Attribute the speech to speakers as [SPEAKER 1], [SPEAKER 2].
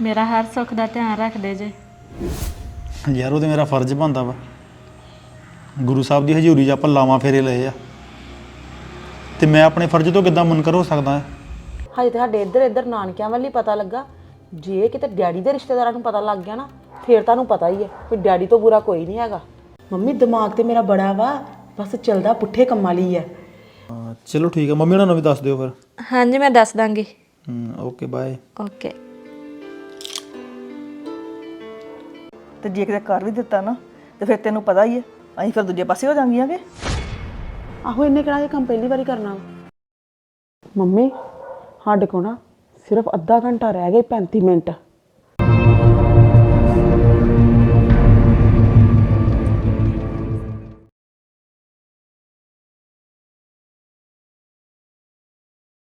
[SPEAKER 1] ਮੇਰਾ ਹਰ ਸੁੱਖ ਦਾ ਧਿਆਨ ਰੱਖਦੇ ਜੇ।
[SPEAKER 2] ਯਾਰ ਉਹ ਤੇ ਮੇਰਾ ਫਰਜ਼ ਬਣਦਾ ਵਾ। ਗੁਰੂ ਸਾਹਿਬ ਦੀ ਹਜ਼ੂਰੀ 'ਚ ਆਪਾਂ ਲਾਵਾਂ ਫੇਰੇ ਲਏ ਆ ਤੇ ਮੈਂ ਆਪਣੇ ਫਰਜ਼ ਤੋਂ ਕਿੱਦਾਂ ਮੁਨਕਰ ਹੋ ਸਕਦਾ?
[SPEAKER 3] ਹਜੇ ਤਾਂ ਸਾਡੇ ਇੱਧਰ ਨਾਨਕਿਆਂ ਵੱਲ ਹੀ ਪਤਾ ਲੱਗਾ। ਜੇ ਕਿਤੇ ਡੈਡੀ ਦੇ ਰਿਸ਼ਤੇਦਾਰਾਂ ਨੂੰ ਪਤਾ ਲੱਗ ਗਿਆ ਨਾ ਫੇਰ ਤੁਹਾਨੂੰ ਪਤਾ ਹੀ ਹੈ ਵੀ ਡੈਡੀ ਤੋਂ ਬੁਰਾ ਕੋਈ ਨਹੀਂ ਹੈਗਾ। ਮੰਮੀ ਦਿਮਾਗ ਤੇ ਮੇਰਾ ਬੜਾ ਵਾ, ਬਸ ਚੱਲਦਾ ਪੁੱਠੇ ਕੰਮਾਂ ਲਈ ਹੈ।
[SPEAKER 2] ਚਲੋ ਠੀਕ ਹੈ, ਮੰਮੀ ਉਹਨਾਂ ਨੂੰ ਵੀ ਦੱਸ ਦਿਓ ਫਿਰ।
[SPEAKER 1] ਹਾਂਜੀ ਮੈਂ ਦੱਸ ਦਾਂਗੀ।
[SPEAKER 2] Okay bye.
[SPEAKER 1] ਓਕੇ।
[SPEAKER 4] ਤੇ ਜੇ ਕਿਤੇ ਕਰ ਵੀ ਦਿੱਤਾ ਨਾ ਤੇ ਫਿਰ ਤੈਨੂੰ ਪਤਾ ਹੀ ਹੈ ਅਸੀਂ ਫਿਰ ਦੂਜੇ ਪਾਸੇ ਹੋ ਜਾਂਗੀਆਂ ਕਿ।
[SPEAKER 3] ਆਹੋ ਇੰਨੇ ਕਿਹੜਾ ਇਹ ਕੰਮ ਪਹਿਲੀ ਵਾਰੀ ਕਰਨਾ ਮੰਮੀ। ਸਾਡੇ ਕੋਲ ਨਾ ਸਿਰਫ ਅੱਧਾ ਘੰਟਾ ਰਹਿ ਗਿਆ, 35 ਮਿੰਟ।